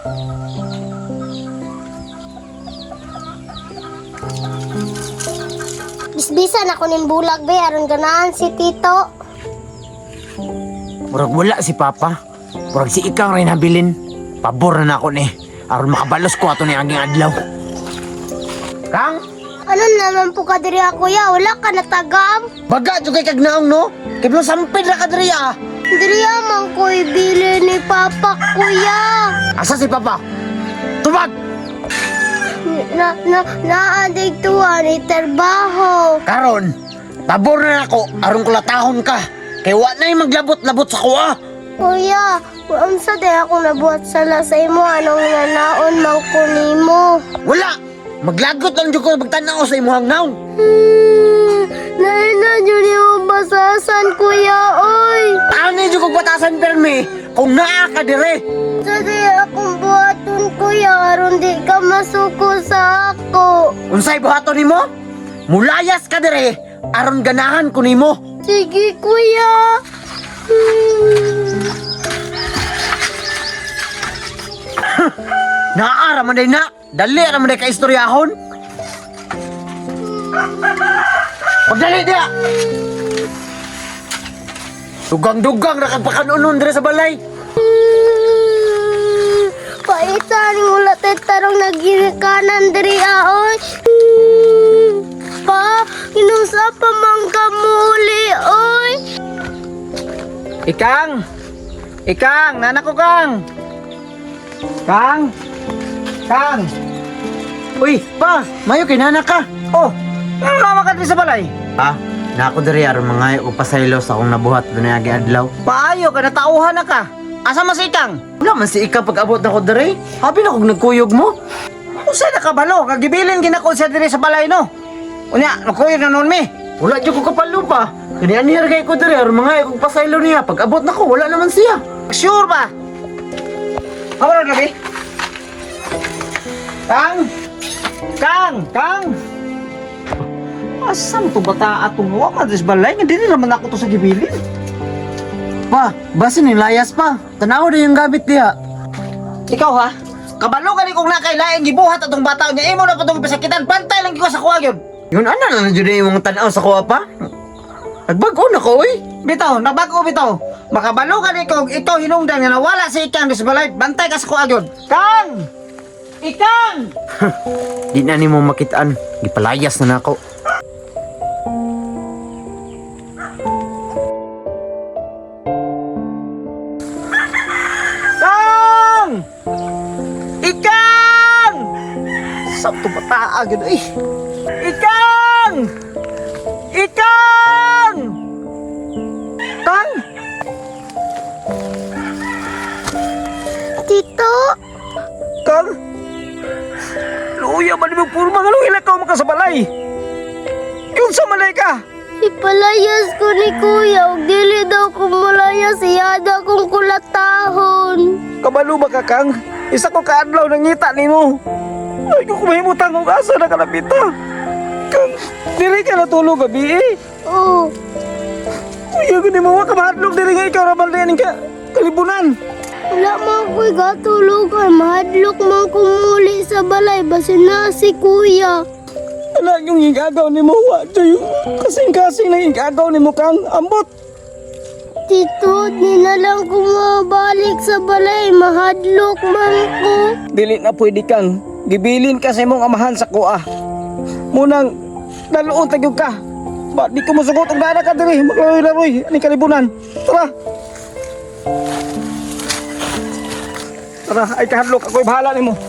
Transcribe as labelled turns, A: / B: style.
A: Bisbisan ako ning bulag be aron ganahan si Tito.
B: Murag wala si Papa. Murag si Ikang rin habilin. Pabor na ako ni. Aron makabalos ko ato ni aging adlaw. Kang?
A: Ano naman po ka diri kuya? Wala ka natagam?
B: Baga jud kay kag naong no? Kay blo sampid ra ka diri ah.
A: Diri man ko ibili ni Papa kuya.
B: Asa si Papa? Tubag!
A: Naadig tuwa ni trabaho.
B: Karon, pabor na ako aron kulatahon ka. Kay wa na maglabot-labot sa kuha.
A: Kuya, unsa day ako nabuhat sala sa imo anong nanaon man ko nimo?
B: Wala! Maglagot lang jud ko magtanaw sa imong naon.
A: Naina jud mo basasan kuya oy.
B: Ano jud ko batasan permi kung naa ka dire.
A: Sa di akong buhaton kuya aron di ka masuko sa ako.
B: Unsay buhaton nimo? Mulayas ka dire aron ganahan ko nimo.
A: Sige kuya.
B: Naara man day na. Dali ra man day ka istoryahon. Pagdali dia. Dugang-dugang ra kag pakanunon dire sa balay.
A: Paitan ulat tarong nagirikanan diri aoy. Pa, inusa pa man ka muli oy.
B: Ikang! Ikang! Nanak ko, Kang! Kang! Kang! Uy, pa! Mayo kay nanak ka! Oh! Ano mama ka din sa balay? Pa, nako diri aron mga upasaylo sa akong nabuhat doon agi adlaw. Paayo ka, natauhan na ka! Asa man si Ikang? Wala man si Ikang pag-abot na ko diri. Habi na kong nagkuyog mo. Usay na kabalo, kagibilin ginako siya diri sa balay no. Unya, nagkuyog na noon mi. Wala dyan ko kapalo pa. Kani anirgay ko diri aron mga ikong pasaylo niya. Pag-abot na ko, wala naman siya. Sure ba? Hawala gabi. Kang! Kang! Kang! Asam to bata atong wa madres balay nga dili naman ako to sa gibilin. Pa, basin ni layas pa. Tanaw na yung gamit niya. Ikaw ha? Kabalo ka ni kung nakailaing gibuhat atong bata niya. Imo na pa itong pasakitan. Bantay lang ko sa kuha yun. Yun, ano na dyan yung mga tanaw sa kuha pa? Nagbago na ko, eh. Bitaw, nagbago bitaw. Makabalo ka ni kung ikaw hinungdan nga nawala si Ikang sa balay. Bantay ka sa kuha yun. Kang! Ikang! Di na ni mo makitaan. Gipalayas na ako. Kang! Ikang! Sabto bataa yun, eh. Ikang! Ikang! Kang!
A: Tito,
B: Kang! Luya ba ni mo puro mga luhila ka makasabalay? Yun sa malay ka!
A: ipalayas ko ni kuya. Ug dili daw ko malayas. Iyada kong kulatahon.
B: Kabalo ba ka, Kang? Isa ko kaadlaw nang ngita ni mo. Ay, kung kumahimutang kong asa na kalapita. Kang, dili ka natulog gabi eh.
A: Oh,
B: Kuya, gani mo ka mahadlok dili nga ikaw rabal na ka kalibunan.
A: wala man ko'y gatulugan. Mahadlok man ko muli sa balay. Basin na si kuya.
B: Anak yung hingagaw ni mo, wadyo yung kasing-kasing na hingagaw ni mo, Kang. Ambot!
A: Tito, di na lang ko mabalik sa balay. Mahadlok man ko.
B: Dili na pwede, Kang. Gibilin ka sa imong amahan sa kuha. Munang, naluon tagyog ka. Ba, di ko masugot ang dana ka diri. Maglaroy-laroy. Aning kalibunan. Tara! Tara, ay kahadlok. Ako'y bahala ni mo.